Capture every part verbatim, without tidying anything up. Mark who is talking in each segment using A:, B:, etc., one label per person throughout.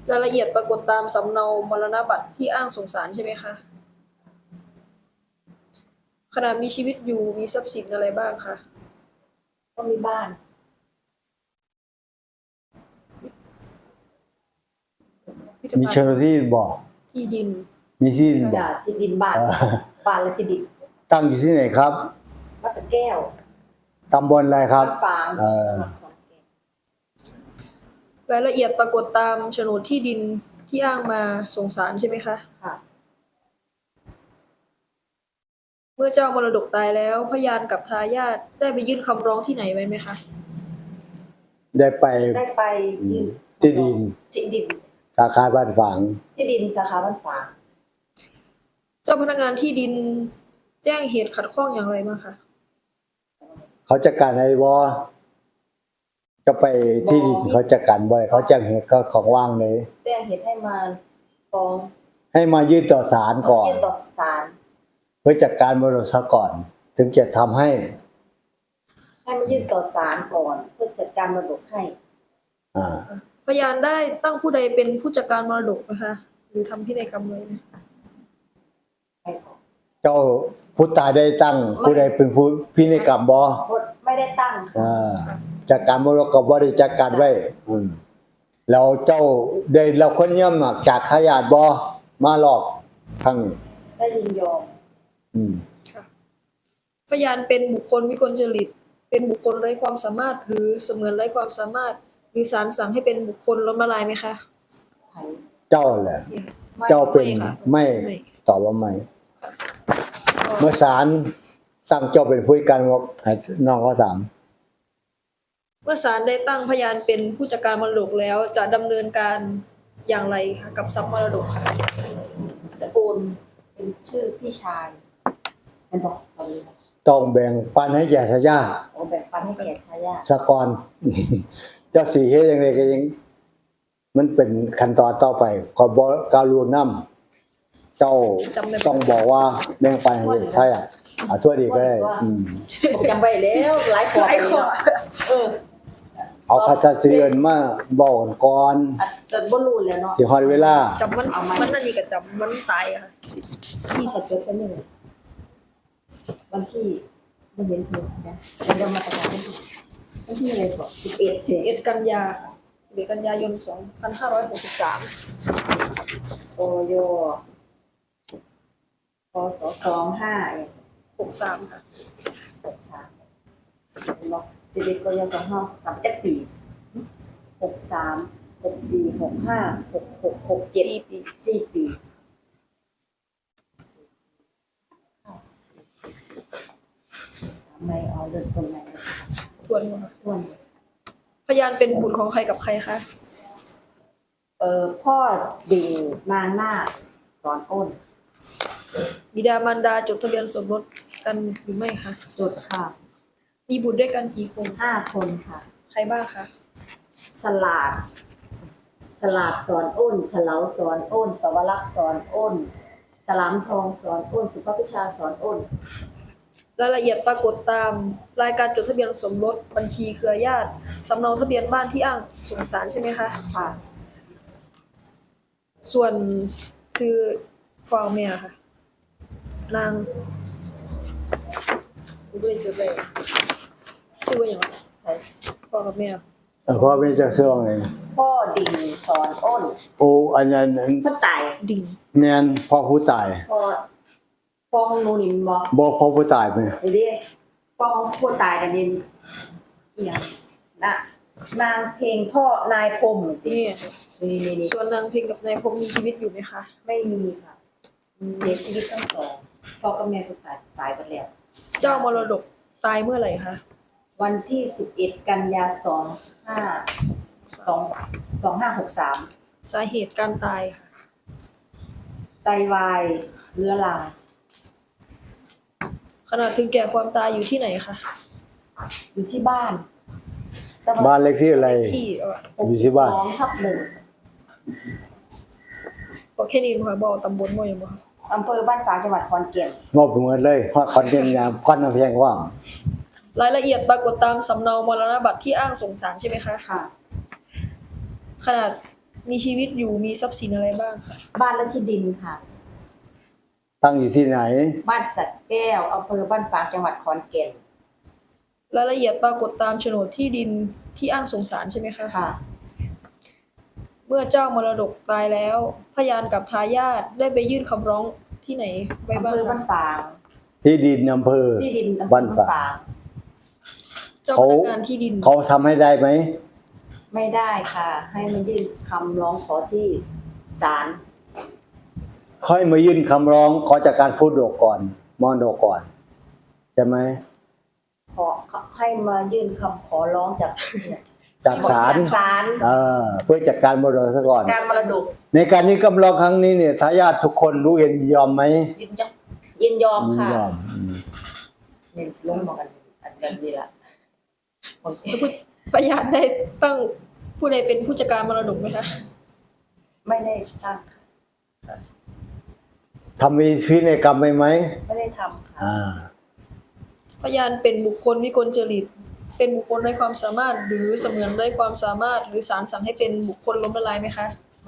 A: รายละเอียดปรากฏตามสำเนามรณบัตรที่อ้างส่งศาลใช่ไหมคะขณะมีชีวิตอยู่มีทรัพย์สินอะไรบ้างคะ
B: ก็มีบ้าน
C: มีเจ้าหน้าที่บอก
A: ที่ดิน
C: มีที่ดินบ
B: อย่า
C: อก
B: ที่ดินบ้านบ้านและที่ดิน
C: ตั้งอยู่ที่ไหนครับ
B: วัดสระแก้ว
C: ตำบลอะไรครับ
B: วัดฝาง
C: เออ
A: รายละเอียดปรากฏตามโฉนดที่ดินที่อ้างมาส่งศาลใช่ไหมคะ
B: ค่ะ
A: เมื่อเจ้ามรดกตายแล้วพยานกับทายาทได้ไปยื่นคำร้องที่ไหนไว้ไหมคะ
C: ได้ไป
B: ได้ไปยื่น
C: ที่ดิน
B: ที่ดิน
C: สาขาบ้านฝาง
B: ที่ดินสาขาบ้านฝาง
A: เจ้าพนักงานที่ดินแจ้งเหตุขัดข้องอย่างไรบ้างคะ
C: เขาจัดการให้บ่ก็ไปที่ดินเขาจัดการบ่เขาแจ้งเหตุก็ของว่างเลย
B: แจ้งเหตุให้มาฟ้อง
C: ให้มายื่นต่อศาลก่อน
B: ยื่นต่อศาล
C: เพื่อจัดการมรดกซะก่อนถึงจะทำให้
B: ให้มายื่นต่อศาลก่อนเพื่อจัดการมรดกให้
C: อ่า
A: พยานได้ตั้งผู้ใดเป็นผู้จัดการมรดกนะคะหรือทำพินัยกรรมไว้ไหม
C: เจ้าผู้ตายได้ตั้งผู้ใดเป็นผู้พินัยกรรมบ่
B: ไม่ได้ตั้ง
C: อ่าจัดการมรดกก็บ่ได้จัดการไว้อืมแล้วเจ้าได้เราคนย่ำจากจากทายาทบ่มาหลอกทางนี้
B: ได้ยินยอม
C: อืม
A: พยานเป็นบุคคลวิกลจริตเป็นบุคคลไร้ความสามารถหรือเสมือนไร้ความสามารถหรือศาลสั่งให้เป็นบุคคลล้มละลายไหมคะ
C: เจ้าแหละเจ้าเป็นไม่ตอบว่าไม่เมื่อศาลตั้งเจ้าเป็นผู้จัดการให้น้องเขาถาม
A: เมื่อศาลได้ตั้งพยานเป็นผู้จัดการมรดกแล้วจะดำเนินการอย่างไรคะกับทรัพย์มรดกค่ะ
B: จะโอนเป็นชื่อพี่ชายเป็นบอกตอนนี้
C: ต้องแบ่งปันให้แก่ทายาท
B: โอ้แบ่งปันให้แก่ทายาท
C: สกรเจ้าสี่เฮ็ดจังได๋ก็ยังมันเป็นขั้นตอนต่อไปก็บ่กาลูนำเจ้าต้องบอกว่าแบ่งปันให้ใช่อ่ะอ่ะทั่วดีก็ได้อืม
B: ผมจำไว้แล้วหลายข้อเออ
C: เอาคาถาสิเอิ้นมาบอกกันก่อน
B: จนบ่รู้แล้วเนาะ
C: สิฮอดเวลา
A: จำมันมันอันนี้ก็จำมันตายค่ะ
B: ที่สดๆกันนี่วันที่บ่เห็นเพิ่นนะเดี๋ยวมาประกาศวันที่อะไรบ่สิบเอ็ด
A: สิบเอ็ดกันยาสิบเอ็ดกันยายนสองพันห้าร้อยหกสิบสาม
B: โอยพศสองห้า
A: หกสามค่ะ
B: หกสามเนาะสิบเอ็ดกันยายนสองห้าหกสามเจ็ดปีหกสามหกสี่หกห้าหกหกหกเจ็ดปีสี่ปีไม่เอาเริ่มต้นใหม่
A: ทวนค่ะ
B: ทวน
A: พยานเป็นบุตรของใครกับใครคะ
B: เอ่อพ่อดิ่งนางนาคสอนอ้น
A: บิดามารดาจดทะเบียนสมรสกันหรือไม่คะ
B: จดค่ะ
A: มีบุตรด้วยกันกี่คน
B: ห้าคนค่ะ
A: ใครบ้างคะ
B: ฉลาดฉลาดสอนอ้นเฉลาสอนอ้นสวรักษ์สอนอ้นฉลามทองสอนอ้นสุภพิชาสอนอ้น
A: รายละเอียดปรากฏตามรายการจดทะเบียนสมรสบัญชีเครือญาติสำเนาทะเบียนบ้านที่อ้างส่งศาลใช่ไหมคะ
B: ค่ะ
A: ส่วนคือพ่อแม่ค่ะนางด้วยจุดเลยชื่อว่าอย่างไรพ่อกับแม่
C: เออพ่อแม่จะเสื่อมไง
B: พ่อดิ่งสอนอ้น
C: โอ้อันนั้น
B: พ่อตาย
A: ดิ่ง
C: แม่นพ่อผู้ตาย
B: พ่อพ่อของหนูนี่บ่
C: บ่พ่อผู้ตายมั้ย
B: นี่พ่อของผู้ตายน่ะนี่อีหยังนะนางเพลงพ่อนายพรม
A: นี่
B: นี่
A: ๆส่วนนางเพลงกับนายพรมมีชีวิตอยู่ไหมคะ
B: ไม่มีค่ะเสียชีวิตทั้งสองพ่อกับแม่ก็ตายตายไปแล้ว
A: เจ้ามรดกตายเมื่อไหร่คะ
B: วันที่สิบเอ็ดกันยายนสองห้าสอง สองห้าหกสาม
A: สาเหตุการตายค่ะ
B: ไตวายเรื้อรัง
A: ขณะถึงแก่ความตายอยู่ที่ไหนคะ
B: อยู่ที่บ้าน
C: บ้านเลขที่อะไรอยู่ที่บ้าน
B: สองทับหนึ่ง
A: บอกแค่นี้ค่ะบอกตำบลบ่ยังบ่
B: อำเภอบ้านฝางจังหวัดขอนแก่น
C: มอบเหมือนเลยเพราะขอนแก่นงามก้อนน้ำแพงว่าง
A: รายละเอียดปรากฏตามสำเนามรณบัตรที่อ้างส่งศาลใช่ไหมคะ
B: ค่ะ
A: ขนาดมีชีวิตอยู่มีทรัพย์สินอะไรบ้างคะ
B: บ้านและที่ดินค่ะ
C: ตั้งอยู่ที่ไหน
B: บ้านสัตว์แก้วอำเภอบ้านฝางจังหวัดขอนแก่น
A: รายละเอียดปรากฏตามโฉนดที่ดินที่อ้างสงสารใช่ไหมคะ
B: ค่ะ
A: เมื่อเจ้ามรดกตายแล้ว พยานกับทายาทได้ไปยื่นคำร้องที่ไหนไว้
B: อำ
A: บ้าง
B: เภอบ้าน
A: คะ
B: ฝาง
C: ที่ดินอำเภอ
B: ที่ดินอำเภอ
C: บ้าน
B: บ้าน
C: ฝาง
B: ฝาง
A: เจ้าพ
C: เขา
A: นักงานที่ดิน
C: เขาทำให้ได้ไหม
B: ไม่ได้ค่ะ ให้มันยื่นคำร้องขอที่ศาล
C: ค่อยมายื่นคำร้องขอจากการพูดโดกก่อนมอนโดกก่อนใช่ไหม
B: ขอให้มายื่นคำขอร้องจาก
C: จากศาล
B: ศาล
C: เออเพื่อจัดการมรดกซะก่อน
B: การมรดก
C: ในการยื่นคำร้องครั้งนี้เนี่ยทายาททุกคนรู้เห็นยอมไหม
B: ยินยอมยินยอม
C: ยิน
B: ค่ะ
C: ยอมอืม
B: เน้นลงมากันอันนั้นดีละโอเค
A: พยานได้ตั้งผู้ใดเป็นผู้จัดการมรดกไหมคะ
B: ไม่ได้ตั้ง
C: ทำมีพินัยกรรมไหมไหม
B: ไม่ได้ทำค่ะ
C: อ่า
A: พยานเป็นบุคคลวิกลจริต เป็นบุคคลไร้ความสามารถ หรือเสมือนไร้ความสามารถ หรือศาลสั่งให้เป็นบุคคลล้มละลายไหมคะ
B: ไม่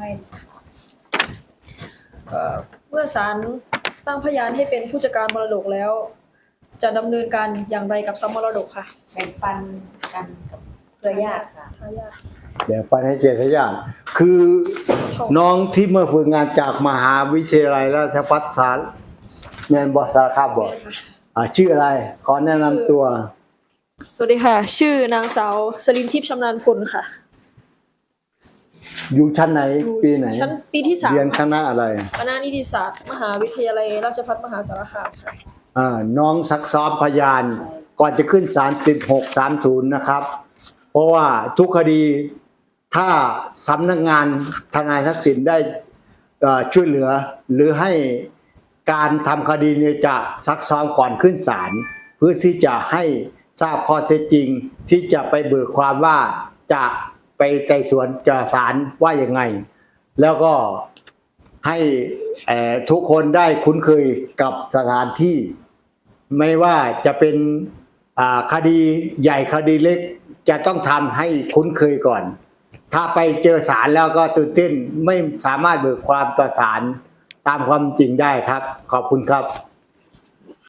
A: เอ่อเมื่อศาลตั้งพยานให้เป็นผู้จัดการมรดกแล้ว จะดำเนินการอย่างไรกับทรัพย์มรดกค่ะ
B: แบ่งปันกันกับเครือญาติค่ะ
A: ทายาท
C: เดี๋ยวปันให้เจตญาติคือน้องที่เมื่อฝึกงานจากมหาวิทยาลัยราชภัฏสารแมนบอสารคามบอก
A: แม่ค่ะ
C: อ่าชื่ออะไร ขอแนะนำตัว
A: สวัสดีค่ะ ชื่อนางสาวสลินทิพย์ชำนาญพลค่ะ
C: อยู่ชั้นไหน
A: อยู่
C: ปีไหน
A: ชั้นปีที่สาม
C: เรียนคณะอะไร
A: คณะนิติศาสตร์ มหาวิทยาลัยราชภัฏมหาสารคามค่ะ
C: อ่าน้องซักซ้อมพยาน ก่อนจะขึ้นศาลสิบหกสามศูนย์นะครับ เพราะว่าทุกคดีถ้าสำนักงานทนายทักษิณได้เอ่อช่วยเหลือ หรือให้การทำคดีเนี่ยจะซักซ้อมก่อนขึ้นศาลเพื่อที่จะให้ทราบข้อเท็จจริง ที่จะไปเบิกความว่าจะไปไต่สวนจะศาลว่ายังไง แล้วก็ให้เอ่อทุกคนได้คุ้นเคยกับสถานที่ ไม่ว่าจะเป็นอ่าคดีใหญ่คดีเล็กจะต้องทำให้คุ้นเคยก่อน ถ้าไปเจอศาลแล้วก็ตื่นเต้นไม่สามารถเบิกความต่อศาลตามความจริงได้ครับ ขอบคุณครับ